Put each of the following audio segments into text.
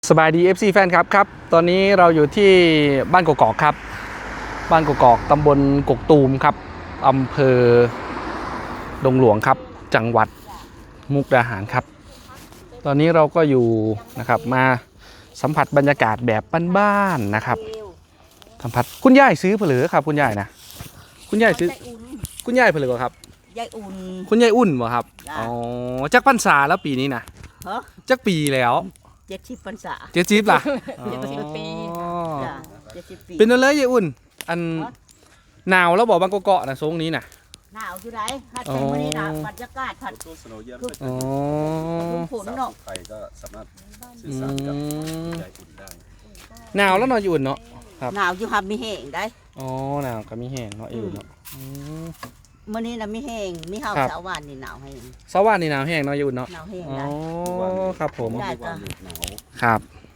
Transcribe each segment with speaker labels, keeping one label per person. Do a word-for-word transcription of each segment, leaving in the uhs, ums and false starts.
Speaker 1: สบายดี เอฟ ซี แฟนครับครับตอนนี้เราอยู่ที่บ้านกกอกครับบ้านกกอกตำบลกกตูมครับอำเภอดงหลวงครับจังหวัดมุกดาหารครับตอนนี้เราก็อยู่นะครับมาสัมผัสบรรยากาศแบบบ้านๆนะครับสัมผัสคุณยายซื้อเผลือครับคุณยายนะคุณยายซื้อคุณยายเผลือครับ
Speaker 2: ยายอุ่น
Speaker 1: คุณยายอุ่นบ่ครับอ๋อจักพรรษาแล้วปีนี้นะจักปีแล้ว
Speaker 2: เจ็ดสิบพรรษา
Speaker 1: เจ็ดสิบล่ะ
Speaker 2: เจ็ดสิบปีจ้ะเจ็ดสิบปี
Speaker 1: เป็นอะไรยายอุ่นอันหนาวแล้วบอกบางกอกเกาะนะทรงนี้นะ
Speaker 2: หนาวอยู่ไหนฮัดเป็นวันนี้นะบรรยากาศผัด
Speaker 3: ตัวสโนว์เยอะ
Speaker 1: อ๋อ
Speaker 2: ฝนเนาะ
Speaker 3: ไทยก็สามารถสื่อสารกับยายอุ่นได้
Speaker 1: หนาวแล้วนอนอยู่อุ่นเนาะครับ
Speaker 2: หนาวอยู่ครับมีแห้งได้
Speaker 1: อ๋อหนาวก็มีแห้งเนาะอุ่นเนาะ
Speaker 2: เมื่อนี้นะมีแห้งมีข้าวสาวานนี่หนาวแห้ง
Speaker 1: สวรรค์นี่หนาวแห้งเนาะอยู่อุ่นเนาะ
Speaker 2: หนาวแห้ง
Speaker 1: อ๋อครับผม
Speaker 2: ได้ก็
Speaker 1: ครับ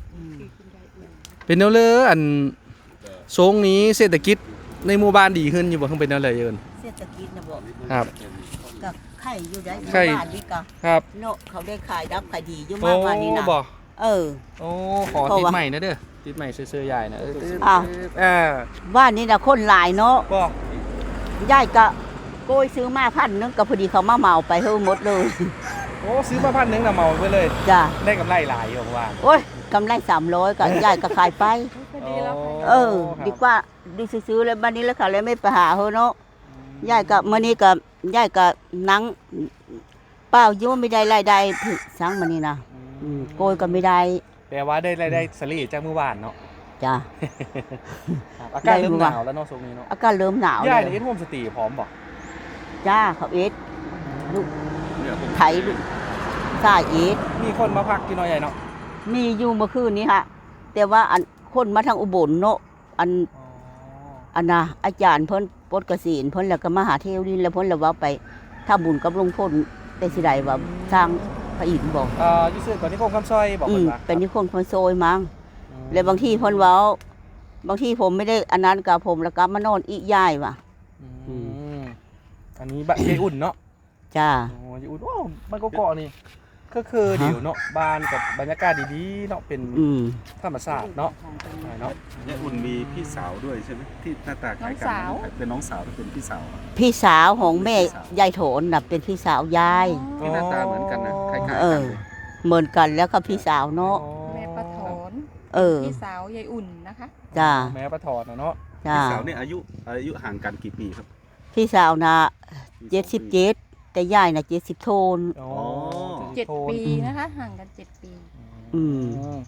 Speaker 1: เป็นแนวเลยอันทรงนี้เศรษฐกิจในหมู่บ้านดีขึ้นอยู่บ่เพิ่งเป็นแนวเลยยืน
Speaker 2: เศรษฐกิจนะบอก
Speaker 1: ครับ
Speaker 2: กับไข่อยู่ได้หมู่บ้านนี่ก็
Speaker 1: ครับ
Speaker 2: เนาะเขาได้ขายรับขายดีอยู่มากกว่านี้นะ
Speaker 1: บ่
Speaker 2: เออ
Speaker 1: โอ้ขอติดใหม่นะเด้อติดใหม่เสื้อใหญ่นะเออ
Speaker 2: อ้าว
Speaker 1: เออ
Speaker 2: บ้านนี้นะคนหลายเนาะ
Speaker 1: บ่
Speaker 2: ยายก็โกยซื้อมาพันนึงก็พอดีเขามาเหมาไปเฮาหมดเลย
Speaker 1: โอ้ซื้อมาพันนึงน่ะเหมาไปเลย
Speaker 2: จ้ะ
Speaker 1: ได้กำไรหลายอยู่ว่า
Speaker 2: โอ้ยกำไรสามร้อยก็ยายก็ขายไปเออดีกว่าดีซื้อๆเลยบ้านนี้แล้วเขาเลยไม่ไปหาเฮาเนาะยายก็มื้อนี้ก็ยายก็นั่งเปล่าอยู่ไม่ได้รายได้ถึกสังมื้อนี้นะอืมโกยก็ไม่ได้
Speaker 1: แปลว่าได้รายได้สลีจากเมื่อวานเนาะ
Speaker 2: จ้ะ
Speaker 1: อากาศเริ่มหนาวแล้วเนาะช่วงนี้เนาะ
Speaker 2: อากาศเริ่มหนาว
Speaker 1: ย่านี่เอ็ดโฮมสตรีพร้อมบ่
Speaker 2: จ้าเขาเอ็ดลูกไถลูกซาเอ็ด
Speaker 1: มีคนมาพักที่น้อยใหญ่เนาะ
Speaker 2: มีอยู่เมื่อคืนนี้ฮะแต่ว่าอันคนมาทางอุบลเนาะอันอันน่ะอาจารย์เพิ่นปลดเกษียณเพิ่นแล้วก็มาหาเทวดินแล้วเพิ่นแล้วว่าไปถ้าบุญกับหลวงพ่อแต่สิได้ว่าสร้างพระอินทร์บ่
Speaker 1: เอ่ออยู่ซื่อก่อนที่คงคำซอยบอกเพิ่นว่า
Speaker 2: เป็นนิคมคนโซยมั้งแล้วบางทีเพิ่นเว้าบางทีผมไม่ได้อันนั้นกับผมแล้วก็มานอนอีย้ายว่ะ
Speaker 1: อืมอันนี้บ้านยายอุ่นเนาะ
Speaker 2: จ้า
Speaker 1: โอ้ยายอุ่นโอ้บ้านกกอกนี่ก็คือเดี๋ยวเนาะบ้านกับบรรยากาศดีๆเนาะเป็นธรรมชาติเนาะเนาะ
Speaker 3: ยายอุ่นมีพี่สาวด้วยใช่ไหมที่หน้าตาคล้ายกันเป็นน้องสาวหรือเป็นพี่สาว
Speaker 2: พี่สาวของแม่ยายโถนน่ะเป็นพี่สาวยาย
Speaker 3: ที่หน้าตาเหมือนกันนะคล้ายๆกัน
Speaker 2: เลยเหมือนกันแล้วก็พี่สาวเนาะ
Speaker 4: แม่ปะถอน
Speaker 2: เออ
Speaker 4: พี่สาวยายอุ่นนะคะ
Speaker 2: จ้า
Speaker 1: แม่ปะถอนเนาะ
Speaker 3: พี่สาวเนี่ยอายุอายุห่างกันกี่ปีครับ
Speaker 2: พี่สาวน่ะเจ็ดสิบเจ็ดแต่ยายน่ะเจ็ดสิบโทน
Speaker 1: อ๋อ
Speaker 4: เจ็ดปีนะคะห่างกันเจ็ดปี
Speaker 2: อืม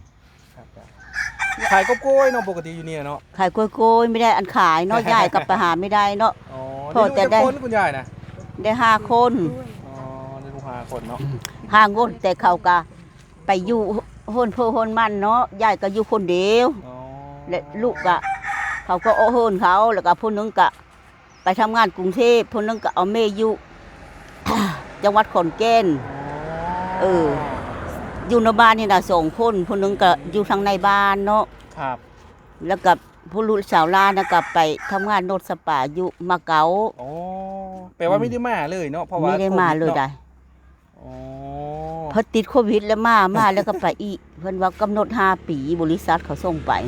Speaker 1: ขายกบกล้วยเนาะปกติอยู่นี่เนาะ
Speaker 2: ขายกล้วยกล้วยไม่ได้อันขายเนาะยายกับไปหาไม่ได้เนาะ
Speaker 1: พอแต่ได้คุณยายนะ
Speaker 2: ได้ห้าคน
Speaker 1: อ๋อได้ลูกห้าคนเนาะ
Speaker 2: ห้างนแต่เขาก็ไปอยู่โฮนเพื่อโฮนมันเนาะยายก็อยู่คนเดียวและลูกก็เขาก็โอโฮนเขาแล้วก็ผู้นึงก็ไปทำงานกรุงเทพผู้นึงก็เอาเมย์อยู่จังหวัดขอนแก่นเอออยู่ในบ้านนี่นะสองคนผู้นึงก็อยู่ทางในบ้านเนาะ
Speaker 1: ครับ
Speaker 2: แล้วกับผู้ลูกสาวลานะกับไปทำงานโนดสปาอยู่มาเก๊า
Speaker 1: โอ้แปลว่าไม่ได้มาเลยเนาะเพราะว่า
Speaker 2: ไม่ได้มาเลยได้พอติดโควิดแล้วมามาแล้วก็ไปอีกเพิ่นว่ากำหนดห้าปีบริษัทเขาส่งไป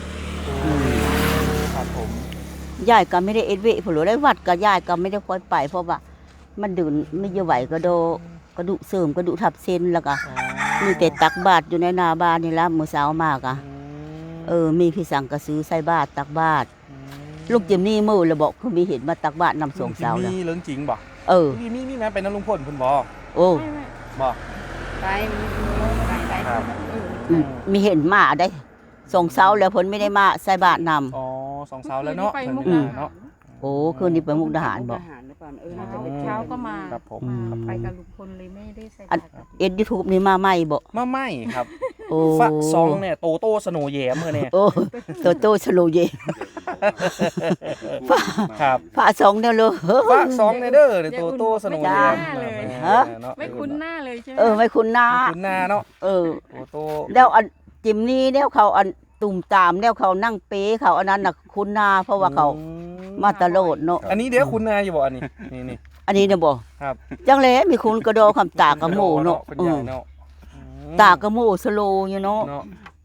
Speaker 2: นะครับผมยายก็ไม่ได้เอ็ดเวผลได้วัดก็ยายก็ไม่ได้ค่อยไปเพราะว่ามันดื่นไม่ไหวก็โดกระดูกเสริมกระดูกทับเส้นแล้วก็มีแต่ตักบาตรอยู่ในนาบ้านนี่ละมื้อเช้ามากอ่ะเออมีพี่สังกะซื้อใส่บาตรตักบาตรลูกจิมนี่มื้อแล้วบอกคือมีเห็นมาตักบาตรนำส่งเช้าแล้ว
Speaker 1: มีเรื่องจริงบ่
Speaker 2: เออ
Speaker 1: มีมีมีแม่เป็นน้ำลุงพลเพิ่นบ่
Speaker 2: โอ้
Speaker 1: บ่
Speaker 4: ไปไป
Speaker 2: ไปมีเห็นมาได้ส่งเช้าแล้วเพิ่นไม่ได้มาใส่บาตรนำ
Speaker 1: อ๋อส่งเช้าแล้วเนาะเนาะ
Speaker 2: โอ้คืนนี้ไปมุกดาหารบ่
Speaker 4: เออน่าจะเป็นเช้าก็มา
Speaker 1: ครับผม
Speaker 4: ไปกับลุงพลเลยไม่ได้ใส่
Speaker 2: เอ็ด YouTube นี่มาใหม่บ่
Speaker 1: มาใหม่ครับ
Speaker 2: โอ้
Speaker 1: ฝะซองเนี่ยโตโต้สโนว์แยมเมื่อเนี่ย
Speaker 2: โอ้โตโต้สโนว์แยม
Speaker 1: ครับ
Speaker 2: ฝะซองเนี่ยเลย
Speaker 1: ฝะซองเนี่ยเด้อโตโต้สโนว์แยม
Speaker 4: ฮะไม่คุ้นหน้าเลยใช่ไหม
Speaker 2: เออไม่คุ้นหน้า
Speaker 1: คุ้นหน้าเนาะ
Speaker 2: เออ
Speaker 1: โตโต้
Speaker 2: แล้วอันจิมนี่แล้วเขาอันตุ่มตามแล้วเขานั่งเป๊เขาอันนั้นน่ะคุ้นหน้าเพราะว่าเขามาตลอดเนาะ
Speaker 1: อันนี้เดี๋ยวคุณนายอยู่บ่อันนี้นี่นี่
Speaker 2: อันนี้เนี่ยบ่
Speaker 1: ครับ
Speaker 2: จังเลยมีคุณกระโดคำตากระโมเนาะตากระโมสโลอยู่เนาะ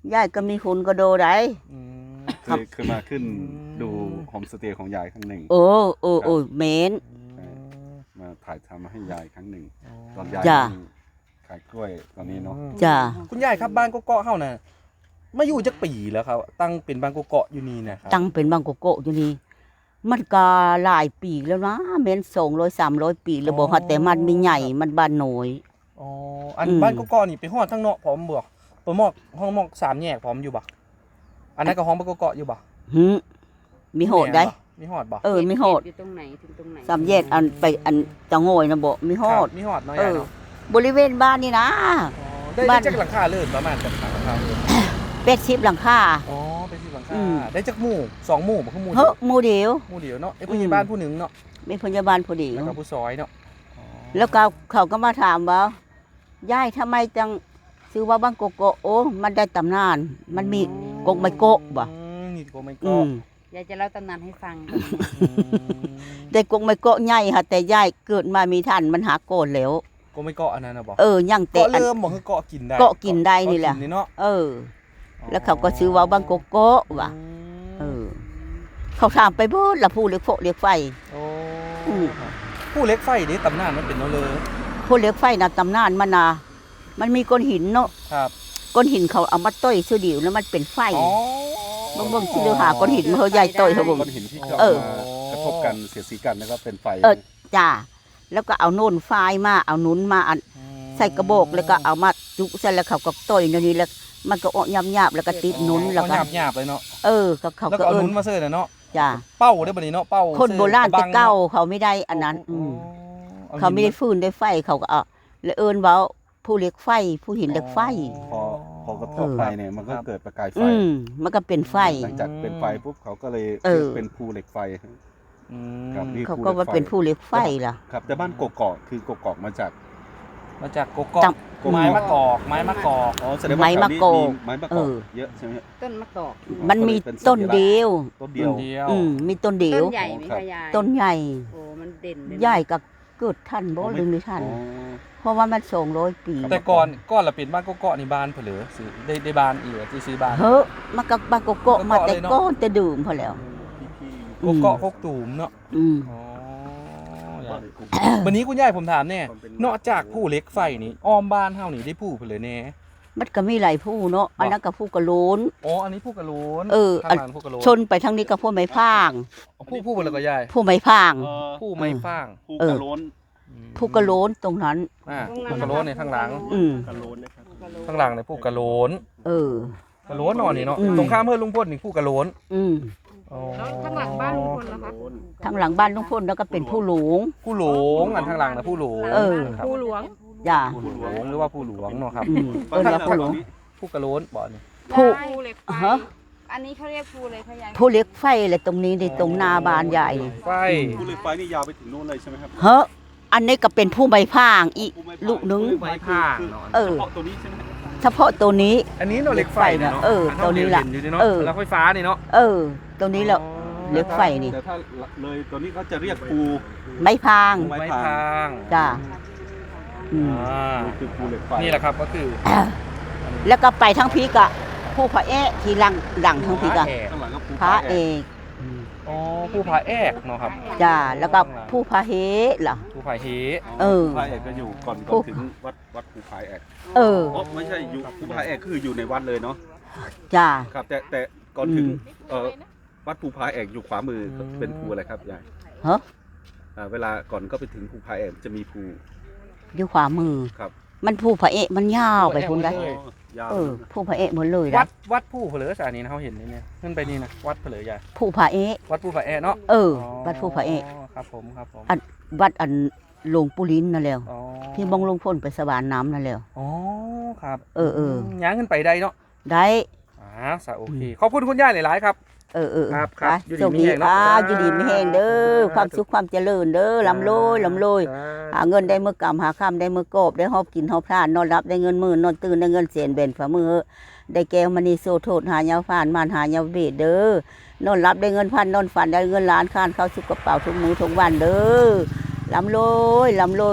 Speaker 2: ยายก็มีคุณก็โดได้
Speaker 1: อืม
Speaker 3: เคยเคยมาขึ้นดูโฮมสเตย์ของยายครั้งหนึ่ง
Speaker 2: โอ้โอ้โอ้เหมน
Speaker 3: มาถ่ายทำให้ยายครั้งหนึ่ง ตอนยาย
Speaker 2: จ้ะ
Speaker 3: ขายกล้วยตอนนี้เนาะ
Speaker 2: จ้า
Speaker 1: คุณยายครับบ้านกกอกเฮาน่ะมาอยู่จักปีแล้วครับ ตั้งเป็นบ้านกกอกอยู่นี่นะครับ
Speaker 2: ตั้งเป็นบางโกโกะอยู่นี่มันก็หลายปีแล้วนะเม้นสองร้อยสามร้อยปีแล้วบอกว่าแต่มันมีใหญ่มันบ้านน้อย
Speaker 1: อ๋ออัน
Speaker 2: อืม
Speaker 1: บ้านกกอกนี่ไปฮอดทั้งเนาะพร้อมบ่ไปมอกห้องมอกสามแยกพร้อมอยู่บ่อันนั้นก็ห้องบ้านกกอกอยู่บ่
Speaker 2: หึมีโหดได้
Speaker 1: มีฮอดบ่
Speaker 2: เออมีโหด
Speaker 4: อยู่ตรงไหนถึงตรงไหน
Speaker 2: สามแยกอันไปอันจะโงยนะบ่มีโหด
Speaker 1: ครับมีฮอดเนาะ
Speaker 2: เอย
Speaker 1: าย
Speaker 2: อ
Speaker 1: เนาะ
Speaker 2: บริเวณบ้านนี่นะ
Speaker 1: อ๋อได้
Speaker 2: บ้า
Speaker 1: ได้
Speaker 2: น
Speaker 1: จักหลังคาเลิศประมาณจักหลังคาเลิศ
Speaker 2: เป็ดชิบหลังคา
Speaker 1: อ๋อเป็นสิบหลังคา
Speaker 2: อืม
Speaker 1: ได้จักหมู่สองหมู่บ่คือหมู่
Speaker 2: เฮ้
Speaker 1: เดี
Speaker 2: อ
Speaker 1: ยว
Speaker 2: หมู่เดียว
Speaker 1: หมู่เดียวเนาะไอ้ผู้ใหญ่บ้านผู้หนึงเนาะ
Speaker 2: มีพยาบาลพอดี
Speaker 1: แล้วก็ผู้ซอยเนาะอ๋อ
Speaker 2: แล้วก็เขาก็มาถามว่ายายทำไมจังซื้อว่าบางโกโกะโอ้มันได้ตำนาน มันมีกกไมโกะบ่
Speaker 1: อืมนี่กกไม
Speaker 2: อื
Speaker 1: โกะ
Speaker 2: ม
Speaker 4: ยายจะเล่าตำนานให้ฟัง
Speaker 1: อืม
Speaker 2: ได้กกไมโกะใหญ่ค่ะแต่ยายเกิดมามีทันมันหาโกนแล้ว
Speaker 1: กกไมโกะอันนั้นน่ะบ่
Speaker 2: เออยังแต่
Speaker 1: เกาะ
Speaker 2: อัน
Speaker 1: เริ่มบ่คือเกาะกินได้
Speaker 2: เกาะกินได้นี่แหละ
Speaker 1: เกากิเนาะ
Speaker 2: เออ แล้วเขาก็ซื้อว่าบางโกโกะว่ะเออ เขาถามไปเบิดละผู้เล็กโฟเล็กไฟ
Speaker 1: โอ้
Speaker 2: อืม
Speaker 1: ผู้เล็กไฟนี่ตำนานมันเป็นเนาะเลย
Speaker 2: ผู้เล็กไฟน่ะตำนานมันน่ะมันมีก้อนหินเนาะ
Speaker 1: ครับ
Speaker 2: ก้อนหินเขาเอามาต้อยซื้อเดียวแล้วมันเป็นไฟ
Speaker 1: อ๋อ
Speaker 2: เบิ่งเบิ่งสิเดือหาก้อนหินมาเฮาใหญ่ต้อยเขาเบิ่ง
Speaker 3: ก้อนหินที่ก็
Speaker 2: เออ
Speaker 3: มากระทบกันเสียดสีกันแล้วก็เป็นไฟ
Speaker 2: เออ จ้า แล้วก็เอาโน่นไฟมาเอานุ้นมาอันใส่กระบอกแล้วก็เอามาจุใส่แล้วเขาก็ต้อยอย่างนี้แล้วมันก็ออกยำๆแล้วก็ติดนุ้นแล้วก็
Speaker 1: หยาบหยาบๆเลยเนาะ
Speaker 2: เออเขาเขา
Speaker 1: แล้ว
Speaker 2: ก็
Speaker 1: ก็เอา
Speaker 2: เอิ้
Speaker 1: นุ้
Speaker 2: น
Speaker 1: นมาเสิร์ฟน่ะเนาะ
Speaker 2: จ้า
Speaker 1: เป้าได้บ่นี่เนาะเป้า
Speaker 2: คนโบราณ
Speaker 1: เสิ
Speaker 2: แต่
Speaker 1: ร์ฟ
Speaker 2: เก่า
Speaker 1: บัง
Speaker 2: เขาไม่ได้อันนั้น
Speaker 1: อ๋อ
Speaker 2: อืม
Speaker 1: อ
Speaker 2: เขาไม่ได้ฟืนได้ไฟเขาก็เอาแล้วเอิ้นเว้าผู้เล็กไฟ ผู้หินเล็กไฟ
Speaker 3: พอพอกระทบไฟเนี่ยมันก็เกิดประกายไฟ
Speaker 2: อืมมันก็เป็นไฟ
Speaker 3: หลังจากเป็นไฟปุ๊บเขาก็เลย
Speaker 2: เออ
Speaker 3: เป็นภูเหล็กไฟ
Speaker 1: อืม
Speaker 3: ครับนี่
Speaker 2: เขาก็ว่าเป็นผู้เล็กไฟล่ะ
Speaker 3: ครับแต่บ้านกกอกคือกกอกมาจาก
Speaker 1: มาจากกกอก
Speaker 2: จัง
Speaker 1: ไม้มะกอกไม้มะกอก
Speaker 3: อ๋อแสดงว่า
Speaker 2: ไม้มะกอก
Speaker 3: แถวนี้ไม้มะกอก
Speaker 2: เออ
Speaker 3: เยอะใช่ไหม
Speaker 4: ต้นมะกอก
Speaker 2: มันมีต้นเดียว
Speaker 3: ต้นเดียว
Speaker 1: เดียว
Speaker 2: อืมมีต้นเดีย
Speaker 4: ต้
Speaker 2: วน
Speaker 4: ใหญ่ไหมคะยาย
Speaker 2: ต้นใหญ่
Speaker 4: โอ้มันเด่นเลยนะ
Speaker 2: ใหญ่ก็เกิดทันบ่หรือไม่ทัน
Speaker 3: อ๋อ
Speaker 2: เพราะว่ามันสองร้อยปี
Speaker 1: แต่ก่อนก่อนละเป็นบ้านกกอกนี่บ้านเผลอซื้อได้ได้บ้านอีกอะที่ซื้อบ้าน
Speaker 2: เฮ้อมันก็บางโกโกะมาแต่
Speaker 1: โกโกะเลยเนาะ
Speaker 2: ก้อนแต่ดื่มพอแล้ว
Speaker 1: กกอกกกตูมเนาะ
Speaker 2: อืม
Speaker 1: อ๋อวันนี้คุณยายผมถามเนี่ยนอกจากผู้เล็กไฟนี่อ้อมบ้านเฮานี่ได้ผู้เผลอแน่
Speaker 2: มันก็มีหลายผู้เนาะอันนั้นก็ผู้กระโลน
Speaker 1: อ๋ออันนี้ผู้กระโหลน
Speaker 2: เออ
Speaker 1: ข้างหลังผู้กระโหลน
Speaker 2: ชนไปทางนี้ก็ผู้ไม้พาง
Speaker 1: ผู้ผู้เผลอก็ยาย
Speaker 2: ผู้ไม้พาง
Speaker 3: เอ่อ
Speaker 1: ผู้ไม่ฟาง
Speaker 3: ภู
Speaker 2: เออ
Speaker 3: กระโล้น
Speaker 2: ผู้กระโลนตรงนั้น
Speaker 1: อ่าผู้กระโหลนในข้างหลัง
Speaker 2: อืม
Speaker 3: กระโล้นนะครับ
Speaker 1: ข้างหลังเนี่ยผู้กระโหลน
Speaker 2: เออ
Speaker 1: กระโหลนนอนนี่เนาะ
Speaker 2: อืม
Speaker 1: ตรงข้ามเพื่อนลุงพลนี่ผู้กระโหลน
Speaker 2: อืม
Speaker 1: อ๋อ
Speaker 4: แล้วข้างหลังบ้านลุงพลล่ะคะ
Speaker 2: ทางหลังบ้านลุงพลแล้วก็เป็นผู้หลวง
Speaker 1: ผู้หลงอันข้างหลังนะผู้หลง
Speaker 2: เออ
Speaker 1: ครับ
Speaker 4: ผู้หลวง
Speaker 2: จ้า
Speaker 1: ผู้หลวงหรือว่าผู้หลวงเนาะครับ
Speaker 2: อืมเอิ้นว่าผู้หลวง
Speaker 1: ผู้กระโหลนบ่อนี่
Speaker 2: ผู้
Speaker 4: ภูเหล็กไฟ
Speaker 2: ฮะ
Speaker 4: อันนี้เขาเรียกภูเลยค่ะยาย
Speaker 2: ผู้เล็กไฟเลยตรงนี้ในตรงหนาบานใหญ่
Speaker 1: ไฟ
Speaker 3: ภูเหล็กไฟนี่ยาวไปถึงโน่นเลยใช่ไหมครับ
Speaker 2: เฮ้ออันนี้ก็เป็นผู้ใบพางอีก
Speaker 3: ภูไม้พาย
Speaker 2: ลูกนึง
Speaker 3: ภูไม้พายคือ
Speaker 2: เออ
Speaker 3: เฉพาะตัวนี้ใช่ไหมครับ
Speaker 2: เฉพาะตัวนี้
Speaker 1: อันนี้เนาะเหล็กไฟเนาะ
Speaker 2: เออตัวนี้ล่ะ
Speaker 1: อัเห็อยู่นี่เนาะ
Speaker 2: เออ
Speaker 1: แล้วไฟฟ้านี่เนาะ
Speaker 2: เออ ตรงนี้แหละ เหล็กไฟนี่
Speaker 3: แต่ถ้าเลยตัวนี้เขาจะเรียกภู
Speaker 2: ใบพาง
Speaker 3: ไม้
Speaker 1: ไม้
Speaker 3: พาง
Speaker 1: พาง
Speaker 2: จ้าอืม
Speaker 1: อ่า
Speaker 3: นี่คือภูเหล็กไฟ
Speaker 1: นี่แหละครับก็คือ
Speaker 2: แล้วก็ไปทั้งพีกะผู้พระเอะทีหลังหลังทั้งพีกะ
Speaker 1: แอก
Speaker 3: ข้างหลังก็ภู
Speaker 2: พระ
Speaker 3: ผา
Speaker 2: เอ
Speaker 3: แอก
Speaker 2: ก
Speaker 1: อ๋อผู้พาแอกเนาะครับ
Speaker 2: จ้าแล้วก็ผู้พระเฮล่ะ
Speaker 1: ผู้พาเฮ
Speaker 2: เออ
Speaker 3: ภูผาแอกก็อยู่ก่อน
Speaker 2: ภู
Speaker 3: ก่อนถึงวัดวัดภูผาแอก
Speaker 2: เออ
Speaker 3: อ๋อไม่ใช่อยู่ภูผาแอกคืออยู่ในวัดเลยเนาะ
Speaker 2: จ้า
Speaker 3: ครับ แต่แต่ก่อนถึง
Speaker 2: อืม
Speaker 3: เอ่อวัดภูผาแอกอยู่ขวามือเป็นภูอะไรครับยาย
Speaker 2: เฮ้อ
Speaker 3: อ่าเวลาก่อนก็ไปถึงภูผาแอกจะมีภู
Speaker 2: อยู่ขวามือ
Speaker 3: ครับ
Speaker 2: มันผู้พระเอะมันยาวไปพุ่นได้
Speaker 3: อ๋อยาว
Speaker 2: เออ ผู้พระเอะหมดเลย
Speaker 1: วั
Speaker 2: นะ
Speaker 1: ดวัดผู้เผลอสานี้นะเขาเห็นนี่เนี่ยขึ้นไปนี่นะวัดเผลอใหญ่
Speaker 2: ผู้พระเอะ
Speaker 1: วัดผู้พาแอกเนาะ
Speaker 2: เออวัดผู้พระเอะ
Speaker 1: ครับผมครับผม
Speaker 2: อันวัดอันหลวงปู่ลิ้นนั่นแหละ
Speaker 1: อ๋อ
Speaker 2: ที่บองลงพ่นไปสวานน้ำนั่นแหละ
Speaker 1: อ๋อครับ
Speaker 2: เออเออ
Speaker 1: ย้างขึ้นไปได้เนาะ
Speaker 2: ได้
Speaker 1: อ่าสาโอเคขอบคุณคุณย่าหลายๆครับ
Speaker 2: เออเออ
Speaker 1: ครับครับ
Speaker 2: ไป
Speaker 1: อยู่ดี
Speaker 2: โชค
Speaker 1: มี
Speaker 2: ดี
Speaker 1: แรงเนาะ
Speaker 2: อ่าอยู่ดีไม่แห้งเด้อความสุขความเจริญเด้อลำโลยลำโลยหาเงินได้เมื่อกำหาค่ำได้เมื่อกอบได้หอบกินหอบพลานนอนรับได้เงินหมื่นนอนตื่นได้เงินเสียนเบนฝ่ามือได้แก้วมณีโซโทษหายาฟานมานหายาเบดเด้อนอนรับได้เงินพันนอนฝันได้เงินล้านค้านเข้าสุกกระเป๋าทุกมื้อทุกวันเด้อลำโลยลำโลย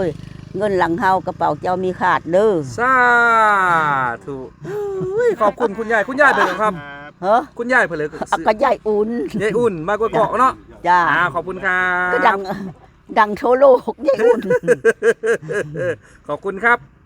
Speaker 2: เงินหลังเฮากระเป๋าเจ้ามีขาดเด้อ
Speaker 1: สาธุอุ้ยขอบคุณคุณยายคุณยายเพิ่นครับ
Speaker 2: เฮ้อ
Speaker 1: คุณยายเพิ่นเลย
Speaker 2: อะก็ใหญ่อุ่น
Speaker 1: ยายอุ่นมากกว่าเกาะเนาะ
Speaker 2: จ้า
Speaker 1: อ่าขอบคุณครั
Speaker 2: ก็
Speaker 1: บ
Speaker 2: ดังดังโชโลกใหญ่อุ่น
Speaker 1: ขอบคุณครับ